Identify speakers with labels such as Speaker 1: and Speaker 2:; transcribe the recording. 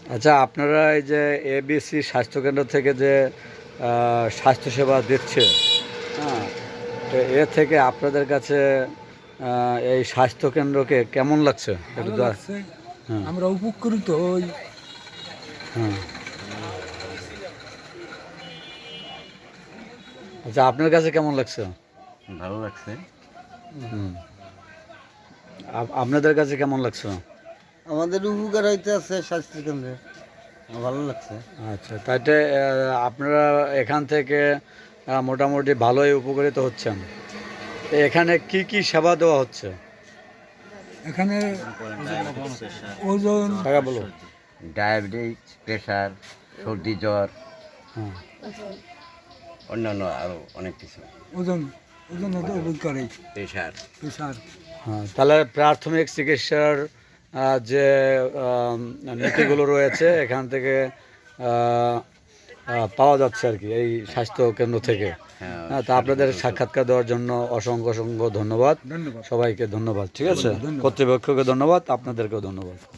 Speaker 1: আচ্ছা, আপনারা এই যে এবিসি স্বাস্থ্যকেন্দ্র থেকে যে স্বাস্থ্যসেবা দিচ্ছে, হ্যাঁ, তো এ থেকে আপনাদের কাছে এই স্বাস্থ্যকেন্দ্রকে কেমন লাগছে একটু
Speaker 2: ভালো লাগছে।
Speaker 1: হ্যাঁ
Speaker 2: আমরা উপকৃত হই।
Speaker 1: হ্যাঁ। আচ্ছা, আপনার কাছে কেমন লাগছে?
Speaker 3: ভালো লাগছে।
Speaker 1: হুম। আপনাদের কাছে কেমন লাগছে?
Speaker 4: আমাদের উপকার হইতে আছে স্বাস্থ্যকেন্দ্রে, ভালো লাগছে।
Speaker 1: আচ্ছা, তাইতে আপনারা এখান থেকে মোটামুটি ভালোই উপকৃত হচ্ছেন। তো এখানে কি কি সেবা দেওয়া হচ্ছে?
Speaker 2: এখানে ওজন,
Speaker 1: টাকা বলো।
Speaker 3: ডায়াবেটিস, প্রেশার, সর্দি, জ্বর,
Speaker 1: হ্যাঁ।
Speaker 3: অন্যান্য আরও অনেক কিছু।
Speaker 2: ওজন ওজন হতে উপকার হয়।
Speaker 3: প্রেশার।
Speaker 2: প্রেশার।
Speaker 1: হ্যাঁ, তাহলে প্রাথমিক চিকিৎসার যে নীতিগুলো রয়েছে এখান থেকে পাওয়া যাচ্ছে আর কি এই স্বাস্থ্য কেন্দ্র থেকে। হ্যাঁ, তা আপনাদের সাক্ষাৎকার দেওয়ার জন্য অসংখ্য অসংখ্য ধন্যবাদ।
Speaker 2: ধন্যবাদ।
Speaker 1: সবাইকে ধন্যবাদ। ঠিক আছে,
Speaker 2: ধন্যবাদ।
Speaker 1: কর্তৃপক্ষকে ধন্যবাদ, আপনাদেরকেও ধন্যবাদ।